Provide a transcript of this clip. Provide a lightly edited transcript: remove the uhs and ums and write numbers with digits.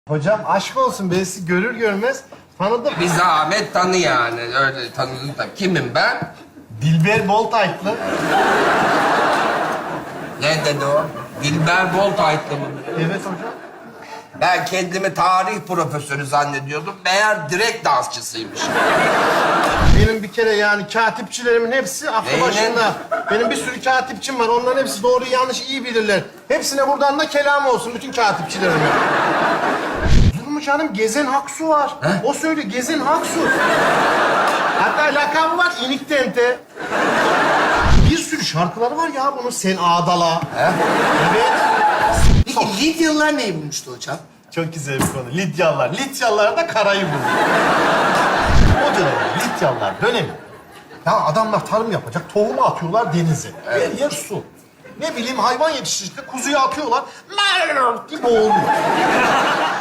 Hocam aşk olsun, ben sizi görür görmez tanıdım. Bir zahmet tanı yani. Öyle tanıdın da. Kimim ben? Dilber Boltaytlı. Ne dedi o? Dilber Boltaytlı mı? Evet hocam. Ben kendimi tarih profesörü zannediyordum. Meğer direkt dansçısıymış. Benim bir kere yani katipçilerimin hepsi aklı Neyine? başında. Benim bir sürü katipçim var. Onların hepsi doğru yanlış iyi bilirler. Hepsine buradan da kelam olsun bütün katipçilerime. Olur mu canım? Gezen Haksu var. He? O söylüyor. Gezen Haksu. Hatta lakabı var. İnik Tente. Bir sürü şarkıları var ya bunun. Sen Ağdala. He? Evet. Peki Lidyalılar neyi bulmuştu hocam? Çok güzel bir konu. Lidyalılar. Lidyalılar da karayı buldu. O dönem Lidyalılar dönemi. Ya adamlar tarım yapacak, tohumu atıyorlar denize. Her yer su. Ne bileyim hayvan yetiştirecekler, kuzuyu atıyorlar. Mrrr diye boğuluyor.